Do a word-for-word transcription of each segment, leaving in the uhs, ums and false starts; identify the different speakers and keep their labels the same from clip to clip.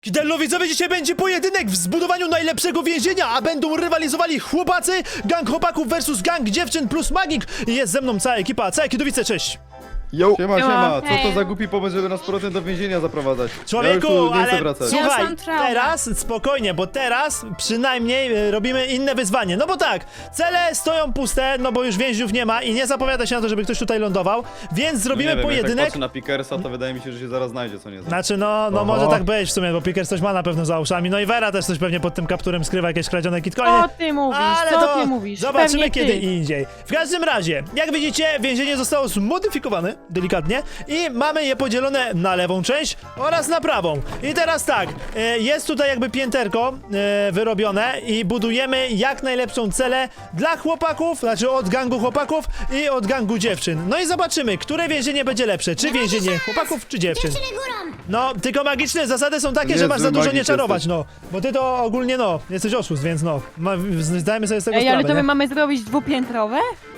Speaker 1: Kidello, widzowie, dzisiaj będzie pojedynek w zbudowaniu najlepszego więzienia, a będą rywalizowali chłopacy, gang chłopaków versus gang dziewczyn plus magik. I jest ze mną cała ekipa. Całe Kidowice, cześć!
Speaker 2: Yo.
Speaker 3: Siema, siema, co to
Speaker 4: Hej.
Speaker 3: za głupi pomysł, żeby nas z powrotem do więzienia zaprowadzać?
Speaker 1: Człowieku,
Speaker 3: ja już tu nie chcę
Speaker 1: ale
Speaker 3: wracać.
Speaker 1: słuchaj,
Speaker 4: Ja mam traumę.
Speaker 1: teraz spokojnie, bo teraz przynajmniej e, robimy inne wyzwanie. No bo tak, cele stoją puste, no bo już więźniów nie ma i nie zapowiada się na to, żeby ktoś tutaj lądował, więc zrobimy
Speaker 3: nie wiem, Jak tak
Speaker 1: pojedynek.
Speaker 3: patrzę na Pickersa, to wydaje mi się, że się zaraz znajdzie, co nie znam.
Speaker 1: Znaczy, no, no
Speaker 2: Oho.
Speaker 1: może tak być w sumie, bo Pickers coś ma na pewno za uszami, no i Vera też coś pewnie pod tym kapturem skrywa, jakieś kradzione kitcoiny.
Speaker 4: Co ty mówisz?
Speaker 1: Ale
Speaker 4: Co
Speaker 1: to
Speaker 4: ty mówisz?
Speaker 1: zobaczymy
Speaker 4: Pewnie
Speaker 1: kiedy
Speaker 4: ty.
Speaker 1: indziej. W każdym razie, jak widzicie, więzienie zostało zmodyfikowane, delikatnie, i mamy je podzielone na lewą część oraz na prawą. I teraz tak, e, jest tutaj jakby pięterko e, wyrobione i budujemy jak najlepszą celę dla chłopaków, znaczy od gangu chłopaków i od gangu dziewczyn. No i zobaczymy, które więzienie będzie lepsze, czy więzienie chłopaków, czy dziewczyn. No, tylko magiczne zasady są takie, że
Speaker 3: Niezły
Speaker 1: masz za dużo
Speaker 3: magik
Speaker 1: nie czarować,
Speaker 3: jesteś.
Speaker 1: no. Bo ty to ogólnie, no, jesteś oszust, więc no, ma, zdajemy sobie z tego
Speaker 4: Ej, ale
Speaker 1: sprawę,
Speaker 4: to my
Speaker 1: nie?
Speaker 4: mamy zrobić dwupiętrowe?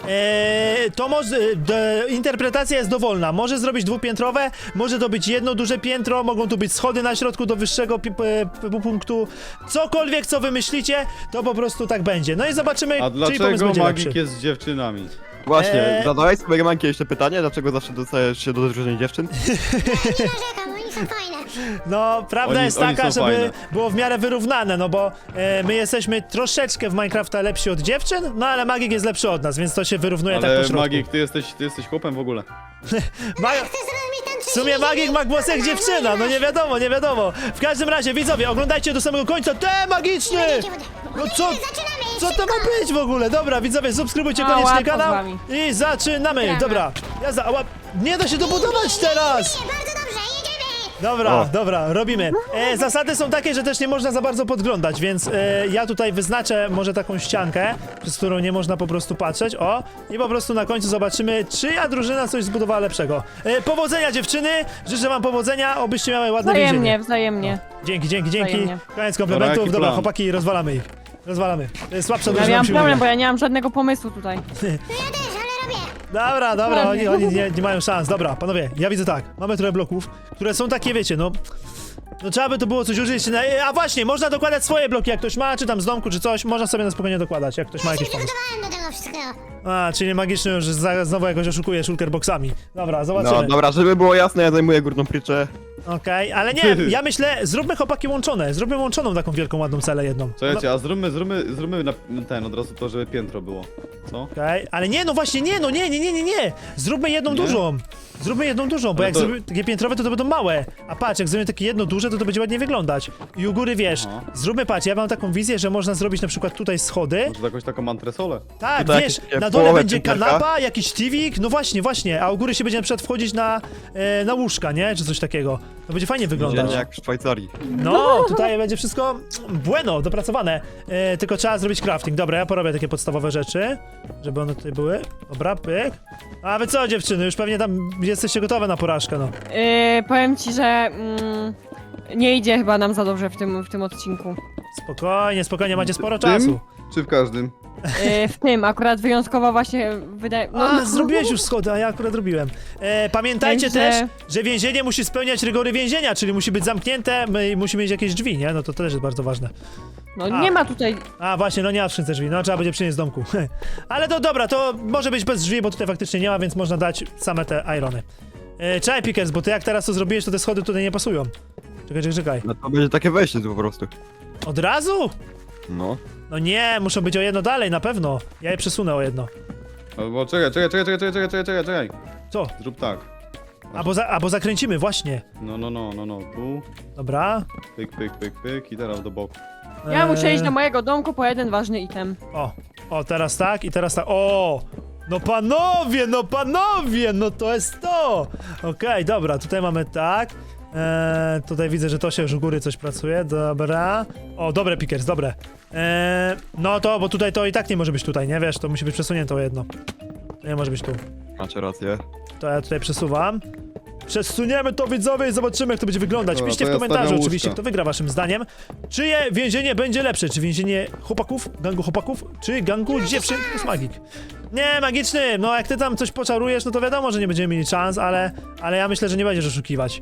Speaker 1: Eee, to może, de, interpretacja jest dowolna. Może zrobić dwupiętrowe, może to być jedno duże piętro, mogą tu być schody na środku do wyższego pi, p, p, punktu. Cokolwiek, co wymyślicie, to po prostu tak będzie. No i zobaczymy,
Speaker 3: A
Speaker 1: czyj pomysł
Speaker 3: dlaczego
Speaker 1: będzie
Speaker 3: magik
Speaker 1: lepszy.
Speaker 3: jest z dziewczynami?
Speaker 2: Właśnie,
Speaker 1: Eee.
Speaker 2: zadałeś sobie Manki jeszcze pytanie, dlaczego zawsze dostajesz się do drużyny dziewczyn?
Speaker 5: Nie narzekam, oni są fajne.
Speaker 1: No, prawda
Speaker 3: Oni-
Speaker 1: jest
Speaker 3: oni
Speaker 1: taka,
Speaker 3: są
Speaker 1: żeby
Speaker 3: fajne.
Speaker 1: było w miarę wyrównane, no bo e, my jesteśmy troszeczkę w Minecrafta lepsi od dziewczyn, no ale magik jest lepszy od nas, więc to się wyrównuje tak po
Speaker 3: Ale
Speaker 1: środku.
Speaker 3: magik, ty jesteś, ty jesteś chłopem w ogóle.
Speaker 1: Ma...
Speaker 5: Chcesz zrobić ten
Speaker 1: W sumie magik ma głos jak dziewczyna, no nie wiadomo, nie wiadomo. W każdym razie, widzowie, oglądajcie do samego końca. Te magiczny! No co,
Speaker 5: Zaczynamy,
Speaker 1: co to ma być w ogóle? Dobra, widzowie, subskrybujcie
Speaker 4: A,
Speaker 1: koniecznie
Speaker 4: łatwo z
Speaker 1: kanał
Speaker 4: wami.
Speaker 1: i zaczynamy.
Speaker 5: Dobra.
Speaker 1: Dobra, jazda, ała, nie da się dobudować teraz!
Speaker 5: Nie, bardzo dobrze, jedziemy.
Speaker 1: Dobra,
Speaker 2: O.
Speaker 1: dobra, robimy. E, zasady są takie, że też nie można za bardzo podglądać, więc e, ja tutaj wyznaczę może taką ściankę, przez którą nie można po prostu patrzeć. O, i po prostu na końcu zobaczymy, czyja drużyna coś zbudowała lepszego. E, powodzenia, dziewczyny! Życzę wam powodzenia, obyście miały ładne
Speaker 4: Wzajemnie,
Speaker 1: więzienie.
Speaker 4: wzajemnie.
Speaker 1: Dzięki, dzięki, dzięki.
Speaker 4: Wzajemnie.
Speaker 1: Koniec
Speaker 3: Dobra,
Speaker 1: komplementów.
Speaker 3: jaki
Speaker 1: Dobra,
Speaker 3: plan?
Speaker 1: chłopaki, rozwalamy ich. Rozwalamy. To jest słabsza
Speaker 4: Ja
Speaker 1: drużyna,
Speaker 4: miałam
Speaker 1: musi
Speaker 4: problem, bo
Speaker 1: wygrać.
Speaker 4: ja nie mam żadnego pomysłu tutaj.
Speaker 5: Ja też, ale robię.
Speaker 1: Dobra, dobra, oni,
Speaker 4: Ładnie.
Speaker 1: oni nie, nie mają szans. Dobra, panowie, ja widzę tak. Mamy trochę bloków, które są takie, wiecie, no... No trzeba by to było coś użyć. Na... A właśnie, można dokładać swoje bloki, jak ktoś ma, czy tam z domku, czy coś. Można sobie na spokojnie dokładać, jak ktoś ma jakiś pomysł.
Speaker 5: Przygotowałem do tego wszystkiego.
Speaker 1: A, czyli magiczny już za- znowu jakoś oszukuje shulkerboxami. Dobra, zobaczymy.
Speaker 2: No dobra, żeby było jasne, ja zajmuję górną pryczę.
Speaker 1: Okej, ale nie, ja myślę, zróbmy chłopaki łączone. Zróbmy łączoną taką wielką, ładną celę jedną.
Speaker 3: Słuchajcie, a zróbmy, zróbmy, zróbmy na, ten od razu to, żeby piętro było. Co?
Speaker 1: Okej, ale nie, no właśnie, nie, no nie, nie, nie, nie, nie. Zróbmy jedną
Speaker 3: Nie?
Speaker 1: dużą. Zróbmy jedną dużą, bo
Speaker 3: Ale
Speaker 1: jak
Speaker 3: to-
Speaker 1: zrobimy takie piętrowe, to to będą małe. A patrz, jak zrobimy takie jedno duże, to to będzie ładnie wyglądać. I u góry, wiesz,
Speaker 3: Aha.
Speaker 1: zróbmy, patrz, ja mam taką wizję, że można zrobić na przykład tutaj schody.
Speaker 3: Może jakąś taką antresolę?
Speaker 1: Tak,
Speaker 2: Tutaj
Speaker 1: wiesz,
Speaker 2: jakieś
Speaker 1: na dole
Speaker 2: połowę
Speaker 1: będzie
Speaker 2: pięterka.
Speaker 1: kanapa, jakiś tiwik, no właśnie, właśnie, a u góry się będzie na przykład wchodzić na, e, na łóżka, nie? Czy coś takiego. To będzie fajnie wyglądać.
Speaker 2: Dziennie jak w Szwajcarii.
Speaker 1: No, tutaj będzie wszystko bueno, dopracowane. E, tylko trzeba zrobić crafting. Dobra, ja porobię takie podstawowe rzeczy, żeby one tutaj były. Dobra, pyk. A wy co, dziewczyny, już pewnie tam jesteście gotowe na porażkę, no.
Speaker 4: Yy, powiem ci, że mm, nie idzie chyba nam za dobrze w tym, w tym odcinku.
Speaker 1: Spokojnie, spokojnie, macie sporo
Speaker 3: Tym?
Speaker 1: czasu.
Speaker 3: Czy w każdym?
Speaker 4: Yy, w tym akurat wyjątkowo właśnie wydaje... No,
Speaker 1: A, zrobiłeś już schody, a ja akurat robiłem. E, pamiętajcie
Speaker 4: Także-
Speaker 1: też, że więzienie musi spełniać rygory więzienia, czyli musi być zamknięte my, i musi mieć jakieś drzwi, nie? No to też jest bardzo ważne.
Speaker 4: no
Speaker 1: A.
Speaker 4: nie ma tutaj...
Speaker 1: A właśnie, no nie ma w skrzynce drzwi, no trzeba będzie przynieść z domku. Ale to dobra, to może być bez drzwi, bo tutaj faktycznie nie ma, więc można dać same te irony. E, czekaj, Pickers, bo ty jak teraz to zrobiłeś, to te schody tutaj nie pasują. Czekaj, czekaj, czekaj.
Speaker 2: No to będzie takie wejście tu po prostu.
Speaker 1: Od razu?
Speaker 2: No.
Speaker 1: No nie, muszą być o jedno dalej, na pewno. Ja je przesunę o jedno.
Speaker 3: Albo czekaj, czekaj, czekaj, czekaj, czekaj, czekaj, czekaj, czekaj.
Speaker 1: Co?
Speaker 3: Zrób tak.
Speaker 1: Albo, za, albo zakręcimy, właśnie.
Speaker 3: No, no, no, no, no, tu.
Speaker 1: Dobra.
Speaker 3: Pyk, pyk, pyk, pyk i teraz do boku.
Speaker 4: Ja muszę
Speaker 1: Eee,
Speaker 4: iść do mojego domku po jeden ważny item.
Speaker 1: O, o, teraz tak i teraz tak. O! No panowie, no panowie, no to jest to! Okej, dobra, tutaj mamy tak. Eee, tutaj widzę, że to się już u góry coś pracuje, dobra. O, dobre, Pickers, dobre. Eee, no to, bo tutaj to i tak nie może być tutaj, nie wiesz, to musi być przesunięte o jedno. To nie może być tu.
Speaker 2: Macie rację.
Speaker 1: To ja tutaj przesuwam. Przesuniemy to, widzowie, i zobaczymy, jak to będzie wyglądać.
Speaker 3: Dobra,
Speaker 1: Piszcie
Speaker 3: to
Speaker 1: w
Speaker 3: ja
Speaker 1: komentarzu
Speaker 3: stawiam
Speaker 1: oczywiście,
Speaker 3: łóżka.
Speaker 1: kto wygra waszym zdaniem. Czyje więzienie będzie lepsze? Czy więzienie chłopaków, gangu chłopaków, czy gangu dziewczyn plus magik? Nie, magiczny, no jak ty tam coś poczarujesz, no to wiadomo, że nie będziemy mieli szans, ale, ale ja myślę, że nie będziesz oszukiwać.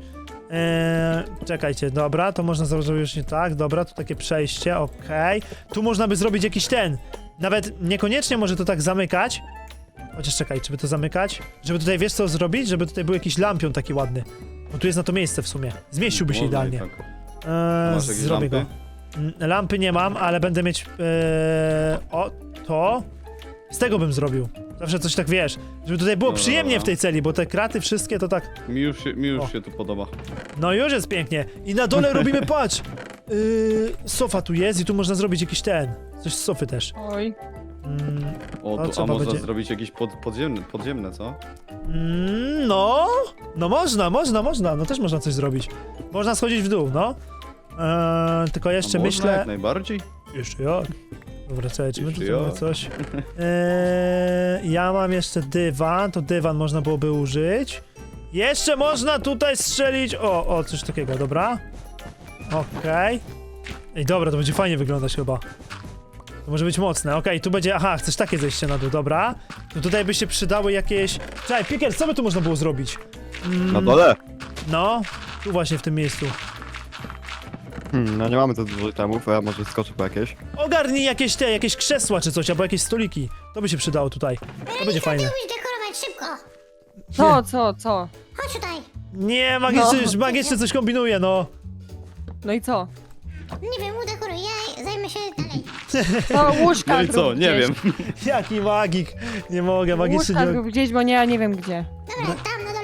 Speaker 1: Eee, czekajcie, dobra, to można zrobić już nie tak, dobra, tu takie przejście, okej. Tu można by zrobić jakiś ten, nawet niekoniecznie może to tak zamykać. Chociaż czekaj, czy by to zamykać? Żeby tutaj, wiesz co zrobić? Żeby tutaj był jakiś lampion taki ładny. Bo tu jest na to miejsce w sumie. Zmieściłby się
Speaker 3: Można i
Speaker 1: idealnie.
Speaker 3: tak.
Speaker 1: Eee,
Speaker 3: Masz jakieś
Speaker 1: zrobię
Speaker 3: lampy?
Speaker 1: go. Mm, Lampy nie mam, ale będę mieć... Eee, o, to... Z tego bym zrobił. Zawsze coś tak, wiesz, żeby tutaj było
Speaker 3: No,
Speaker 1: przyjemnie
Speaker 3: dobra.
Speaker 1: w tej celi, bo te kraty wszystkie to tak...
Speaker 3: Mi już, się, mi już
Speaker 1: O.
Speaker 3: się tu podoba.
Speaker 1: No już jest pięknie. I na dole robimy, patrz! Yy, sofa tu jest i tu można zrobić jakiś ten. Coś z sofy też.
Speaker 4: Oj.
Speaker 1: Mm,
Speaker 3: O,
Speaker 1: To
Speaker 3: tu,
Speaker 1: trzeba
Speaker 3: a można
Speaker 1: będzie-
Speaker 3: zrobić jakieś pod, podziemne, podziemne, co?
Speaker 1: mm, no, no można, można, można. No też można coś zrobić. Można schodzić w dół, no. Eee, tylko jeszcze
Speaker 3: a można,
Speaker 1: myślę...
Speaker 3: jak najbardziej.
Speaker 1: Jeszcze jak? Dobra, czekaj, czy my tu
Speaker 3: Jeszcze
Speaker 1: mamy
Speaker 3: jak?
Speaker 1: coś? Eee, ja mam jeszcze dywan, to dywan można byłoby użyć. Jeszcze można tutaj strzelić... O, o, coś takiego, dobra. Okej. Ej, dobra, to będzie fajnie wyglądać chyba. To może być mocne, okej, tu będzie... Aha, chcesz takie zejście na dół, dobra. To tutaj by się przydały jakieś... Czekaj, Pickers, co by tu można było zrobić? Mm,
Speaker 2: Na dole?
Speaker 1: No, tu właśnie w tym miejscu.
Speaker 2: Hmm, no nie mamy tu dużo itemów, a ja może skoczę po jakieś.
Speaker 1: Ogarnij jakieś te, jakieś krzesła czy coś, albo jakieś stoliki. To by się przydało tutaj. To będzie fajne.
Speaker 5: Musisz dekorować szybko.
Speaker 4: Co, co, co?
Speaker 5: Chodź tutaj.
Speaker 1: Nie, magiczny,
Speaker 4: No.
Speaker 1: magiczny coś kombinuje, no.
Speaker 4: No i co?
Speaker 5: Nie wiem, udekuruj, ja zajmę się dalej.
Speaker 4: To łóżka
Speaker 3: No i co,
Speaker 4: zrób
Speaker 3: nie
Speaker 4: gdzieś.
Speaker 3: wiem.
Speaker 1: Jaki magik. Nie mogę, magiczny
Speaker 4: Łóżka
Speaker 1: nie...
Speaker 4: zrób gdzieś, bo nie, ja nie wiem gdzie.
Speaker 5: Dobra, tam na dole.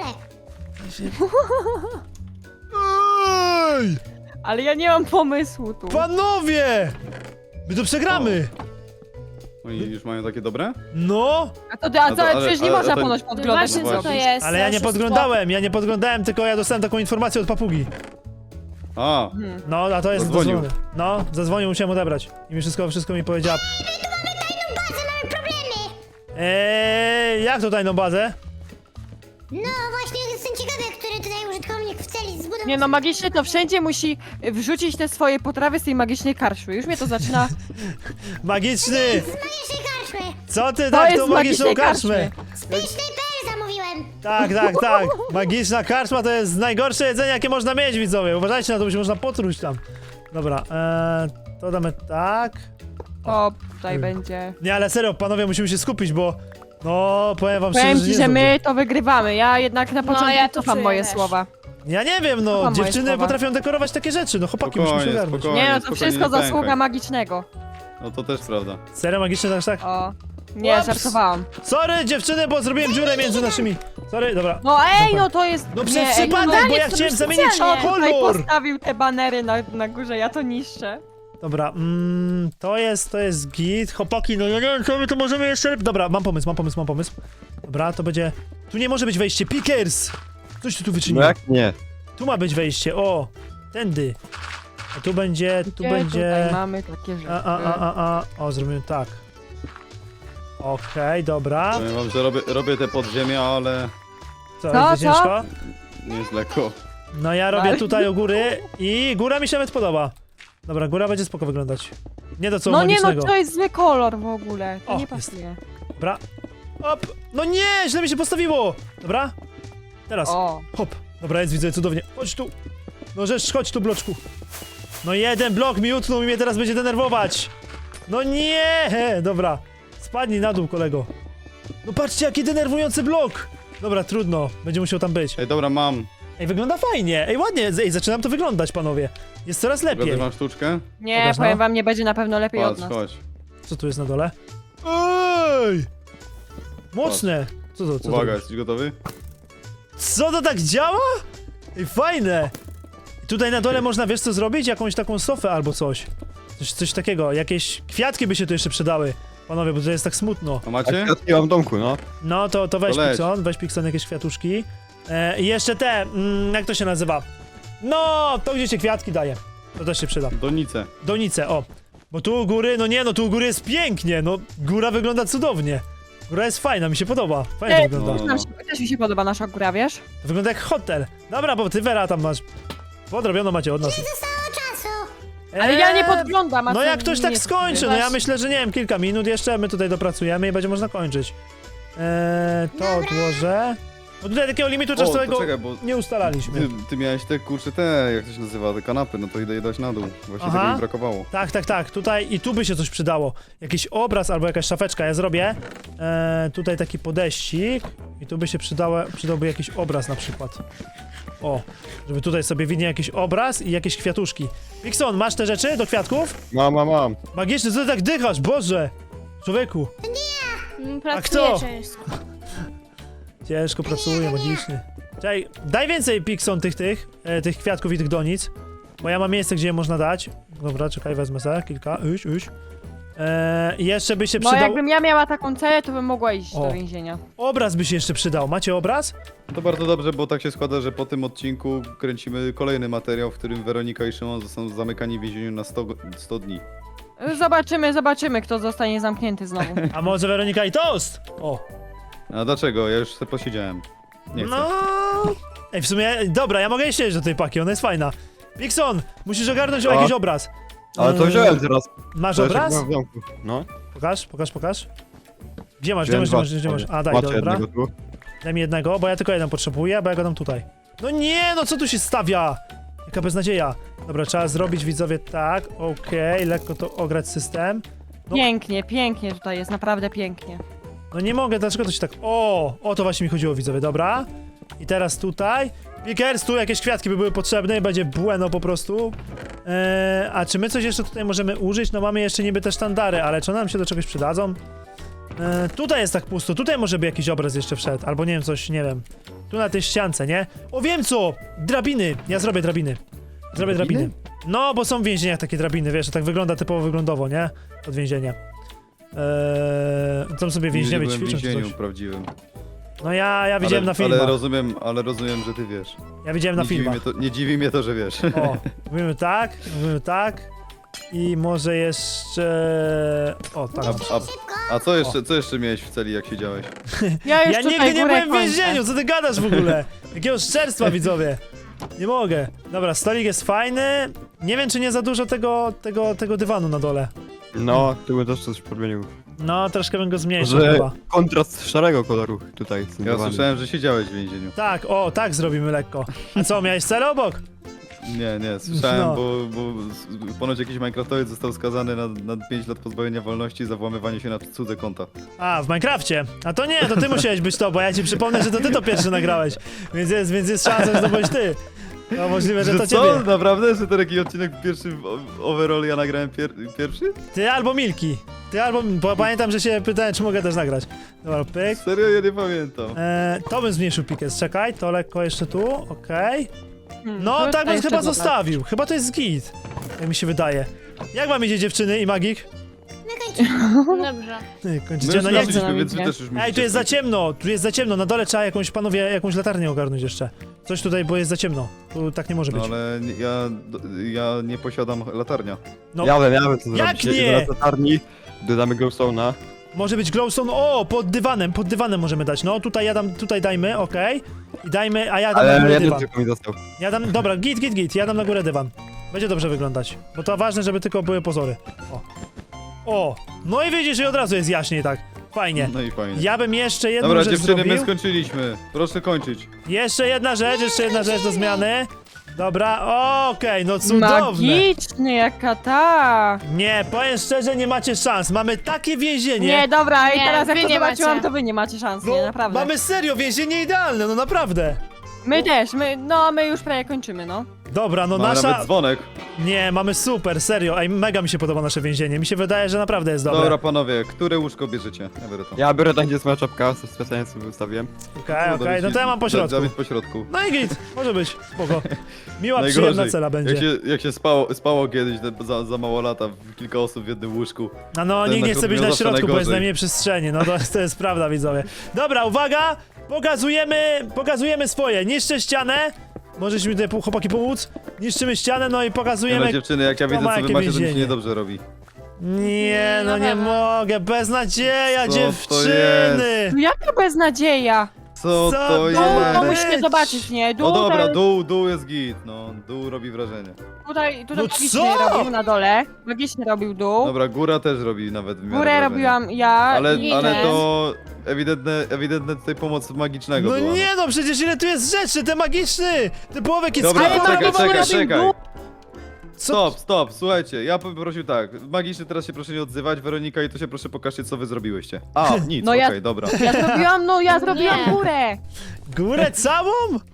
Speaker 1: Ej!
Speaker 4: Ale ja nie mam pomysłu tu.
Speaker 1: Panowie! My to przegramy!
Speaker 3: Oni już mają takie dobre?
Speaker 1: No!
Speaker 4: A to, a
Speaker 3: No
Speaker 4: co,
Speaker 3: to- ale-
Speaker 4: przecież nie
Speaker 3: ale-
Speaker 4: można
Speaker 3: ale-
Speaker 4: ponoć
Speaker 6: No
Speaker 4: podglądać.
Speaker 6: właśnie,
Speaker 3: no
Speaker 6: co to
Speaker 3: właśnie.
Speaker 6: jest?
Speaker 1: Ale ja nie
Speaker 6: oszustwo?
Speaker 1: podglądałem, ja nie podglądałem, tylko ja dostałem taką informację od papugi.
Speaker 3: A,
Speaker 4: Hmm.
Speaker 1: No, a to jest
Speaker 3: Zadzwonił.
Speaker 1: dozwolone. No, zadzwonił, musiałem odebrać. I mi wszystko, wszystko mi powiedziała.
Speaker 5: Bazę, mamy problemy.
Speaker 1: Eee, jak to tajną bazę?
Speaker 5: No właśnie, jestem ciekawy, który tutaj użytkownik w celi zbudował.
Speaker 4: Nie no, magiczny to wszędzie musi wrzucić te swoje potrawy z tej magicznej karczmy. Już mnie to zaczyna...
Speaker 1: Magiczny!
Speaker 5: Z magicznej karczmy.
Speaker 1: Co ty
Speaker 4: To
Speaker 1: tak
Speaker 4: jest
Speaker 1: tą
Speaker 4: z
Speaker 1: magiczną
Speaker 4: magicznej
Speaker 1: karczmę?
Speaker 4: karczmy.
Speaker 5: Z pysznej.pl zamówiłem.
Speaker 1: Tak, tak, tak. Magiczna karczma to jest najgorsze jedzenie, jakie można mieć, widzowie. Uważajcie na to, bo się można potruć tam. Dobra, eee, to damy tak.
Speaker 4: To tutaj będzie...
Speaker 1: Nie, ale serio, panowie, musimy się skupić, bo... No, powiem wam
Speaker 4: Powiem
Speaker 1: szczerze,
Speaker 4: ci,
Speaker 1: nie
Speaker 4: że
Speaker 1: jest
Speaker 4: my to wygrywamy. Ja jednak na
Speaker 6: No,
Speaker 4: początku
Speaker 6: ja to
Speaker 4: cofam
Speaker 6: czuję
Speaker 4: moje
Speaker 6: też.
Speaker 4: słowa.
Speaker 1: dobrze. Ja nie wiem, no,
Speaker 4: Słucham moje
Speaker 1: dziewczyny
Speaker 4: słowa.
Speaker 1: potrafią dekorować takie rzeczy, no chłopaki, musimy się
Speaker 3: Spokojnie,
Speaker 1: ogarnąć.
Speaker 3: spokojnie.
Speaker 4: Nie no, to
Speaker 3: spokojnie,
Speaker 4: wszystko
Speaker 3: nie pękaj.
Speaker 4: zasługa magicznego.
Speaker 3: no to też prawda.
Speaker 1: Serio, magiczne też tak?
Speaker 4: O. Nie,
Speaker 1: Ups.
Speaker 4: żartowałam.
Speaker 1: Sorry, dziewczyny, bo zrobiłem dziurę między naszymi... Sorry, dobra.
Speaker 4: No ej, no to jest...
Speaker 1: No
Speaker 4: nie,
Speaker 1: przez
Speaker 4: ej,
Speaker 1: przypadek,
Speaker 6: no
Speaker 1: bo ja
Speaker 6: to
Speaker 1: chciałem
Speaker 6: już
Speaker 1: zamienić
Speaker 6: specjalnie.
Speaker 4: Kto tutaj
Speaker 1: kolor!
Speaker 4: postawił te banery na, na górze, ja to niszczę.
Speaker 1: Dobra, mm, to jest, to jest git. Chłopaki, no ja nie wiem, co my to możemy jeszcze... Dobra, mam pomysł, mam pomysł, mam pomysł. Dobra, to będzie... Tu nie może być wejście, Pickers! Coś ty tu
Speaker 2: No
Speaker 1: wyczynił.
Speaker 2: jak nie?
Speaker 1: Tu ma być wejście, o! Tędy. A tu będzie, tu
Speaker 4: Gdzie
Speaker 1: będzie...
Speaker 4: tutaj mamy takie rzeczy?
Speaker 1: A, a, a, a, a. O, zrobimy tak. Okej, dobra.
Speaker 3: Powiem wam, że robię, robię te podziemia, ale
Speaker 1: Co,
Speaker 4: Co,
Speaker 1: jest
Speaker 4: co?
Speaker 1: ciężko?
Speaker 3: nie jest lekko.
Speaker 1: No ja robię
Speaker 4: Ale-
Speaker 1: tutaj u góry i góra mi się nawet podoba. Dobra, góra będzie spoko wyglądać. Nie do co
Speaker 4: No nie no,
Speaker 1: magicznego.
Speaker 4: to jest zły kolor w ogóle. To
Speaker 1: O,
Speaker 4: nie
Speaker 1: jest.
Speaker 4: pasuje.
Speaker 1: Dobra. Hop. No nie, źle mi się postawiło. Dobra. Teraz.
Speaker 4: O.
Speaker 1: Hop. Dobra, jest, widzę, cudownie. Chodź tu. No rzecz, chodź tu, bloczku. No jeden blok mi utnął i mnie teraz będzie denerwować. No nie! Dobra. Spadnij na dół, kolego. No patrzcie, jaki denerwujący blok. Dobra, trudno. Będzie musiał tam być.
Speaker 3: Ej, dobra, mam.
Speaker 1: Ej, wygląda fajnie. Ej, ładnie. Ej, zaczynam to wyglądać, panowie. Jest coraz lepiej.
Speaker 3: Pokażę wam sztuczkę?
Speaker 4: Nie,
Speaker 1: Pokaż, no.
Speaker 4: powiem wam, nie będzie na pewno lepiej od
Speaker 3: Patrz,
Speaker 4: nas.
Speaker 3: chodź.
Speaker 1: Co tu jest na dole? Ej! Mocne. Co to, co
Speaker 3: Uwaga,
Speaker 1: to?
Speaker 3: jesteś gotowy?
Speaker 1: Co to tak działa? Ej, fajne. I tutaj na dole można, wiesz co zrobić? Jakąś taką sofę albo coś. Coś, coś takiego. Jakieś kwiatki by się tu jeszcze przydały. Panowie, bo to jest tak smutno.
Speaker 3: A
Speaker 2: A
Speaker 3: macie?
Speaker 2: kwiatki mam w domku, no.
Speaker 1: No to, to weź
Speaker 3: To leć.
Speaker 1: Pixon, weź Pixon jakieś kwiatuszki. E, I jeszcze te, mm, jak to się nazywa? No, to gdzie się kwiatki daje. To też się przyda.
Speaker 3: Donice.
Speaker 1: Donice, o. Bo tu u góry, no nie, no tu u góry jest pięknie, no góra wygląda cudownie. Góra jest fajna, mi się podoba. Fajnie
Speaker 4: Ej,
Speaker 1: wygląda.
Speaker 3: no.
Speaker 4: Nam się, też mi się podoba nasza góra, wiesz?
Speaker 1: To wygląda jak hotel. Dobra, bo ty Vera tam masz. Podrobiono macie od nas.
Speaker 5: Zostało czasu.
Speaker 4: Ale ja nie
Speaker 1: Eee,
Speaker 4: podglądam, a
Speaker 1: No
Speaker 4: co
Speaker 1: jak ktoś
Speaker 4: nie
Speaker 1: tak skończy, no ja
Speaker 6: Właśnie.
Speaker 1: myślę, że nie wiem, kilka minut jeszcze my tutaj dopracujemy i będzie można kończyć. Eee, to
Speaker 5: Dobra.
Speaker 1: odłożę. No tutaj takiego limitu
Speaker 3: O, to
Speaker 1: czasowego
Speaker 3: czekaj, bo
Speaker 1: nie ustalaliśmy.
Speaker 3: ty, ty miałeś te kurcze, te, jak to się nazywa, te kanapy, no to idę je dać na dół. Właśnie
Speaker 1: Aha.
Speaker 3: tego mi brakowało.
Speaker 1: Tak, tak, tak, tutaj i tu by się coś przydało. Jakiś obraz albo jakaś szafeczka, ja zrobię. E, tutaj taki podejścik i tu by się przydało, przydałby jakiś obraz na przykład. O, żeby tutaj sobie widnie jakiś obraz i jakieś kwiatuszki. Wikson, masz te rzeczy do kwiatków?
Speaker 2: Mam, mam, mam.
Speaker 1: Magiczny, co ty tak dychasz, Boże! Człowieku,
Speaker 6: Mm,
Speaker 1: kto?
Speaker 6: Pracuję ciężko.
Speaker 1: ciężko pracuje, magiczny. Czekaj, daj więcej, Pixon, tych, tych, e, tych kwiatków i tych donic. Bo ja mam miejsce, gdzie je można dać. Dobra, czekaj, wezmę sobie kilka. Uś, uś. E, I jeszcze by się
Speaker 4: Bo
Speaker 1: przydał...
Speaker 4: jakbym ja miała taką celę, to bym mogła iść
Speaker 1: O.
Speaker 4: do więzienia.
Speaker 1: Obraz by się jeszcze przydał. Macie obraz?
Speaker 3: To bardzo dobrze, bo tak się składa, że po tym odcinku kręcimy kolejny materiał, w którym Weronika i Szymon zostaną zamykani w więzieniu na sto, sto dni.
Speaker 4: Zobaczymy, zobaczymy, kto zostanie zamknięty znowu.
Speaker 1: A może Weronika i Toast? O.
Speaker 3: A dlaczego? Ja już sobie posiedziałem. Nie chcę.
Speaker 1: No. Ej, w sumie, dobra, ja mogę jeszcze jeść do tej paki, ona jest fajna. Pixon, musisz ogarnąć o
Speaker 2: O.
Speaker 1: jakiś obraz.
Speaker 2: Ale to
Speaker 1: Eee,
Speaker 2: wziąłem teraz.
Speaker 1: Masz
Speaker 2: To jeszcze
Speaker 1: obraz?
Speaker 2: mam w domku. No.
Speaker 1: Pokaż, pokaż, pokaż. Gdzie masz, gdzie
Speaker 2: Wziąłem
Speaker 1: masz, gdzie
Speaker 2: dwa.
Speaker 1: masz, gdzie masz? A, daj,
Speaker 2: Macie
Speaker 1: dobra.
Speaker 2: jednego tu.
Speaker 1: Daj mi jednego, bo ja tylko jeden potrzebuję, bo ja go dam tutaj. No nie, no co tu się stawia? Jaka beznadzieja. Dobra, trzeba zrobić, widzowie, tak, okej, lekko to ograć system. No.
Speaker 4: Pięknie, pięknie tutaj jest, naprawdę pięknie.
Speaker 1: No nie mogę, dlaczego to się tak... O, o to właśnie mi chodziło, widzowie, dobra. I teraz tutaj. Pickers, tu jakieś kwiatki by były potrzebne i będzie bueno po prostu. Eee, a czy my coś jeszcze tutaj możemy użyć? No mamy jeszcze niby te sztandary, ale czy one nam się do czegoś przydadzą? Eee, tutaj jest tak pusto, tutaj może by jakiś obraz jeszcze wszedł, albo nie wiem, coś, nie wiem. Tu na tej ściance, nie? O, wiem co! Drabiny! Ja zrobię drabiny. Zrobię drabiny?
Speaker 3: Drabiny?
Speaker 1: No, bo są w więzieniach takie drabiny, wiesz, to tak wygląda typowo wyglądowo, nie? Od więzienia. Eee, tam sobie
Speaker 3: Nigdy
Speaker 1: więźniowie
Speaker 3: byłem w
Speaker 1: ćwiczą czy
Speaker 3: więzieniu
Speaker 1: coś.
Speaker 3: prawdziwym.
Speaker 1: No ja, ja widziałem
Speaker 3: ale,
Speaker 1: na filmach.
Speaker 3: Ale rozumiem, ale rozumiem, że ty wiesz.
Speaker 1: Ja widziałem na
Speaker 3: nie, dziwi
Speaker 1: filmach.
Speaker 3: mnie to, nie dziwi mnie to, że wiesz.
Speaker 1: O, mówimy tak, mówimy tak. I może jeszcze... O, tak.
Speaker 3: A, a, a co jeszcze, co jeszcze miałeś w celi, jak siedziałeś?
Speaker 4: Ja już
Speaker 1: Ja
Speaker 4: tutaj
Speaker 1: nigdy nie
Speaker 4: górę
Speaker 1: byłem w
Speaker 4: kończę.
Speaker 1: więzieniu, co ty gadasz w ogóle? Jakiego szczerstwa, widzowie. Nie mogę. Dobra, stolik jest fajny. Nie wiem, czy nie za dużo tego, tego, tego dywanu na dole.
Speaker 2: No, tu bym też coś podmienił.
Speaker 1: No, troszkę bym go zmniejszył
Speaker 2: Że
Speaker 1: chyba.
Speaker 2: kontrast szarego koloru tutaj. z tym
Speaker 3: Ja
Speaker 2: dywanem.
Speaker 3: słyszałem, że siedziałeś w więzieniu.
Speaker 1: Tak, o, tak zrobimy lekko. A co, miałeś cel obok?
Speaker 3: Nie, nie, słyszałem,
Speaker 1: No.
Speaker 3: bo, bo s- ponoć jakiś Minecraftowiec został skazany na, na pięć lat pozbawienia wolności za włamywanie się na cudze konta.
Speaker 1: A, w Minecrafcie. A to nie, to ty musiałeś być to, bo ja ci przypomnę, że to ty to pierwszy nagrałeś. Więc jest, więc jest szansa, że to byłeś ty. No możliwe, że to
Speaker 3: co?
Speaker 1: ciebie.
Speaker 3: Naprawdę? Że to taki odcinek pierwszy o- overall ja nagrałem pier pierwszy?
Speaker 1: Ty albo Milki. Ty albo... Bo pamiętam, że się pytałem, czy mogę też nagrać. Dobra, pyk.
Speaker 3: Serio? Ja nie pamiętam.
Speaker 1: Eee, to bym zmniejszył pikes, czekaj, to lekko jeszcze tu, okej.
Speaker 4: Hmm,
Speaker 1: No,
Speaker 4: to
Speaker 1: tak
Speaker 4: tutaj
Speaker 1: bym
Speaker 4: jeszcze
Speaker 1: chyba
Speaker 4: dodać.
Speaker 1: zostawił. Chyba to jest git. Jak mi się wydaje. Jak wam idzie dziewczyny i magik?
Speaker 5: My kończymy.
Speaker 6: Dobrze.
Speaker 1: Ty,
Speaker 3: My
Speaker 1: kończycie,
Speaker 3: już
Speaker 1: no jak...
Speaker 3: skończyliśmy,
Speaker 4: nam
Speaker 3: więc wy
Speaker 4: idzie?
Speaker 3: też już musicie
Speaker 1: Ej, tu jest za
Speaker 3: skończyć.
Speaker 1: ciemno, tu jest za ciemno, na dole trzeba jakąś, panowie, jakąś latarnię ogarnąć jeszcze. Coś tutaj, bo jest za ciemno. Tu tak nie może być.
Speaker 3: No ale nie- ja, ja nie posiadam latarnia.
Speaker 1: No,
Speaker 2: Ja wiem, ja wiem co
Speaker 1: Jak
Speaker 2: zrobić.
Speaker 1: nie?
Speaker 2: Jedziemy na latarni, dodamy glowstone'a.
Speaker 1: może być glowstone, o, pod dywanem, pod dywanem możemy dać. No, tutaj ja dam, tutaj dajmy, okej. I dajmy, a ja dam na
Speaker 2: Ale
Speaker 1: górę
Speaker 2: jeden
Speaker 1: dywan.
Speaker 2: tylko mi został.
Speaker 1: Ja dam, dobra, git, git, git, ja dam na górę dywan. Będzie dobrze wyglądać, bo to ważne, żeby tylko były pozory. O. O, no i widzisz, że od razu jest jaśniej, tak. Fajnie.
Speaker 3: No i fajnie.
Speaker 1: Ja bym jeszcze jedną
Speaker 3: Dobra,
Speaker 1: rzecz
Speaker 3: dziewczyny,
Speaker 1: zrobił.
Speaker 3: my skończyliśmy. Proszę kończyć.
Speaker 1: Jeszcze jedna rzecz, jeszcze jedna rzecz do zmiany. Dobra, okej, no cudowne.
Speaker 4: Magicznie, jaka ta.
Speaker 1: Nie, powiem szczerze, nie macie szans. Mamy takie więzienie.
Speaker 4: Nie, dobra, i
Speaker 6: Nie,
Speaker 4: teraz jak
Speaker 6: wy
Speaker 4: to
Speaker 6: nie
Speaker 4: zobaczyłam,
Speaker 6: macie.
Speaker 4: to wy nie macie szans,
Speaker 1: No,
Speaker 4: nie, naprawdę.
Speaker 1: mamy serio więzienie idealne, no naprawdę.
Speaker 4: My też, my, no my już prawie kończymy, no.
Speaker 1: Dobra, no
Speaker 3: Mamy
Speaker 1: nasza...
Speaker 3: nawet dzwonek.
Speaker 1: Nie, mamy super, serio. Ej, mega mi się podoba nasze więzienie. Mi się wydaje, że naprawdę jest dobre.
Speaker 3: Dobra, panowie, które łóżko bierzecie? Ja biorę to.
Speaker 2: Ja biorę tam, gdzie jest moja czapka, co specjalnie sobie ustawiłem.
Speaker 1: Okej, okej, no to ja mam po środku.
Speaker 3: Dawid po środku.
Speaker 1: No i git, może być, spoko. Miła,
Speaker 3: Najgorzej,
Speaker 1: przyjemna cela będzie.
Speaker 3: Jak się, jak się spało, spało kiedyś te- za, za mało lata, kilka osób w jednym łóżku.
Speaker 1: No, no,
Speaker 3: Ten
Speaker 1: nikt nie
Speaker 3: na
Speaker 1: chce być
Speaker 3: miał
Speaker 1: na
Speaker 3: zawsze
Speaker 1: środku, bo jest
Speaker 3: najgorzej.
Speaker 1: najmniej przestrzeni. No to, to jest prawda, widzowie. Dobra, uwaga! Pokazujemy, pokazujemy swoje. Niszczę ścianę. Możesz mi tutaj chłopaki pomóc? Niszczymy ścianę, no i
Speaker 3: Nie no,
Speaker 1: pokazujemy...
Speaker 3: dziewczyny, jak ja
Speaker 1: kto
Speaker 3: widzę,
Speaker 1: ma
Speaker 3: co wy
Speaker 1: jakie
Speaker 3: macie, to mi się
Speaker 1: więzienie.
Speaker 3: niedobrze robi.
Speaker 1: Nie, no
Speaker 6: Na
Speaker 1: nie
Speaker 6: pewno.
Speaker 1: mogę, beznadzieja,
Speaker 3: Co to
Speaker 1: dziewczyny!
Speaker 4: No jaka beznadzieja.
Speaker 3: Co
Speaker 1: Co
Speaker 3: to
Speaker 1: to
Speaker 3: jest?
Speaker 1: ma
Speaker 4: No
Speaker 1: być?
Speaker 4: musicie zobaczyć, nie? Dół,
Speaker 3: No dobra,
Speaker 4: ten-
Speaker 3: dół, dół jest git, no, dół robi wrażenie.
Speaker 4: Tutaj, tutaj
Speaker 1: No
Speaker 4: magicznie
Speaker 1: co?
Speaker 4: robił na dole. Magicznie robił dół.
Speaker 3: Dobra, góra też robi nawet w miarę
Speaker 4: Górę
Speaker 3: wrażenie.
Speaker 4: robiłam ja
Speaker 3: Ale,
Speaker 4: i
Speaker 3: ale
Speaker 4: ten.
Speaker 3: to ewidentne, ewidentne tutaj pomoc magicznego
Speaker 1: No
Speaker 3: była.
Speaker 1: nie no, przecież ile tu jest rzeczy, te magiczny! Ten połowek jest
Speaker 3: Dobra,
Speaker 1: sklepem.
Speaker 4: Ale
Speaker 3: czekaj,
Speaker 4: to było
Speaker 3: czekaj,
Speaker 4: robił
Speaker 3: czekaj.
Speaker 4: dół.
Speaker 1: Co?
Speaker 3: Stop, stop, słuchajcie, ja bym prosił tak, magicznie teraz się proszę nie odzywać, Weronika, i to się proszę pokażcie, co wy zrobiłyście. A, nic,
Speaker 4: No
Speaker 3: okej,
Speaker 4: ja-
Speaker 3: dobra.
Speaker 4: Ja zrobiłam, no ja zrobiłam
Speaker 6: Nie.
Speaker 4: górę.
Speaker 1: Górę całą?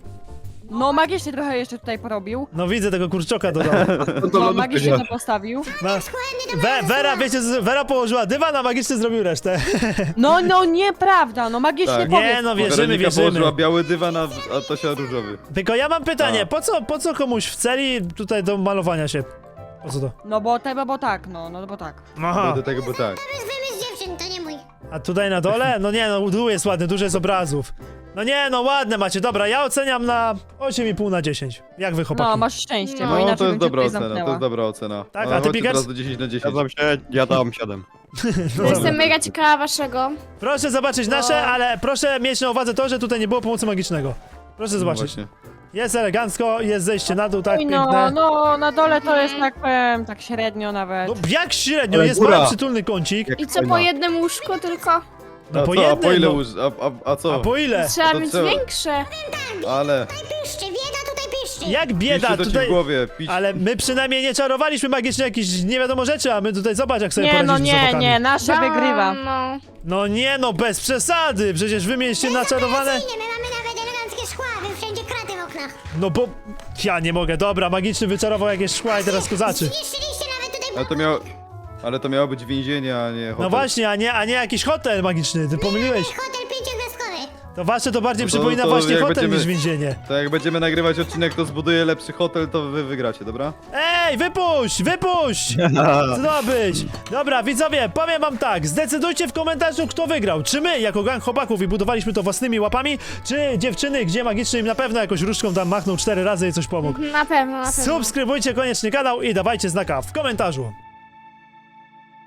Speaker 4: No magicznie trochę jeszcze tutaj porobił.
Speaker 1: No widzę tego kurczoka dodał.
Speaker 4: No magicznie to postawił.
Speaker 1: No. We, Vera, wiecie, z- Vera położyła dywan, a magicznie zrobił resztę.
Speaker 4: No, no nieprawda, no magicznie
Speaker 3: Tak.
Speaker 4: powiedz.
Speaker 1: Nie no, wierzymy,
Speaker 3: Weronika
Speaker 1: wierzymy.
Speaker 3: położyła biały dywan, a, a Tosia różowy.
Speaker 1: Tylko ja mam pytanie,
Speaker 3: A.
Speaker 1: po co, po co komuś w celi tutaj do malowania się? Po co to?
Speaker 4: No bo tego, bo tak, no, no bo tak.
Speaker 1: Aha,
Speaker 3: No do tego, bo tak.
Speaker 5: To jest wymysł dziewczyn, to nie mój.
Speaker 1: a tutaj na dole? No nie no, dół jest ładny, dużo jest obrazów. No nie no, ładne macie, dobra, ja oceniam na osiem i pół na dziesięć. Jak wy chłopaki?
Speaker 4: No, masz szczęście,
Speaker 6: No,
Speaker 4: bo
Speaker 3: No
Speaker 4: inaczej
Speaker 3: to jest
Speaker 4: bym cię
Speaker 3: dobra
Speaker 4: tutaj
Speaker 3: ocena, to
Speaker 4: zamknęła.
Speaker 3: jest dobra ocena.
Speaker 1: Tak,
Speaker 3: No,
Speaker 1: a ty,
Speaker 3: chodźcie
Speaker 1: Pickers?
Speaker 3: teraz do dziesięć na dziesięć.
Speaker 2: Zgadzam się, ja dam siedem.
Speaker 1: No
Speaker 6: Jestem
Speaker 1: dobra.
Speaker 6: mega ciekawa waszego.
Speaker 1: Proszę zobaczyć nasze, ale proszę mieć na uwadze to, że tutaj nie było pomocy magicznego. Proszę
Speaker 3: No
Speaker 1: zobaczyć.
Speaker 3: właśnie.
Speaker 1: Jest elegancko, jest zejście na dół, tak
Speaker 4: Oj,
Speaker 1: piękne.
Speaker 4: no, no, na dole to jest tak powiem, tak średnio nawet.
Speaker 1: No jak średnio,
Speaker 2: Ale
Speaker 1: jest
Speaker 2: góra.
Speaker 1: mały przytulny kącik.
Speaker 2: Jak
Speaker 6: I co, po
Speaker 2: fajna.
Speaker 6: jednym łóżku tylko?
Speaker 1: No
Speaker 3: a
Speaker 1: po
Speaker 3: co, a po
Speaker 1: jednym,
Speaker 3: ile
Speaker 1: no.
Speaker 3: łóż... A, a, a co?
Speaker 1: A po ile?
Speaker 6: Trzeba
Speaker 3: to
Speaker 6: mieć
Speaker 3: trzeba-
Speaker 6: większe.
Speaker 3: Ale...
Speaker 5: Piszczy, bieda tutaj piszczy.
Speaker 1: Jak bieda,
Speaker 3: Piszcie to ci
Speaker 1: tutaj...
Speaker 3: w głowie, pisz...
Speaker 1: Ale my przynajmniej nie czarowaliśmy magicznie jakieś nie wiadomo rzeczy, a my tutaj zobacz jak sobie
Speaker 4: Nie, no
Speaker 1: poradziliśmy z
Speaker 4: nie,
Speaker 1: chłopakami.
Speaker 4: nie, nasze wygrywa.
Speaker 6: No.
Speaker 1: No nie no, bez przesady, przecież wy mieliście naczarowane...
Speaker 5: Nie, my mamy nawet eleganckie szkła, wy wszędzie kraty w oknach.
Speaker 1: No bo... Ja nie mogę, dobra, magiczny wyczarował jakieś szkła i teraz kozaczy.
Speaker 5: Zniszczyliście nawet tutaj
Speaker 3: Ale to miało... Ale to miało być więzienie, a nie hotel.
Speaker 1: No właśnie, a nie, a nie jakiś hotel magiczny, ty pomyliłeś.
Speaker 5: hotel pięciogwiazdkowy.
Speaker 1: To wasze to bardziej
Speaker 3: No to-
Speaker 1: przypomina
Speaker 3: to
Speaker 1: właśnie
Speaker 3: jak
Speaker 1: hotel
Speaker 3: będziemy-
Speaker 1: niż więzienie.
Speaker 3: To jak będziemy nagrywać odcinek, to zbuduję lepszy hotel, to wy wygracie, dobra?
Speaker 1: Ej, wypuść, wypuść! Co to ma być? Dobra, widzowie, powiem wam tak, zdecydujcie w komentarzu, kto wygrał. Czy my, jako gang chłopaków i budowaliśmy to własnymi łapami, czy dziewczyny, gdzie magicznie im na pewno jakoś różdżką tam machnął cztery razy i coś pomógł.
Speaker 6: Na pewno, na pewno.
Speaker 1: Subskrybujcie koniecznie kanał i dawajcie znaka w komentarzu.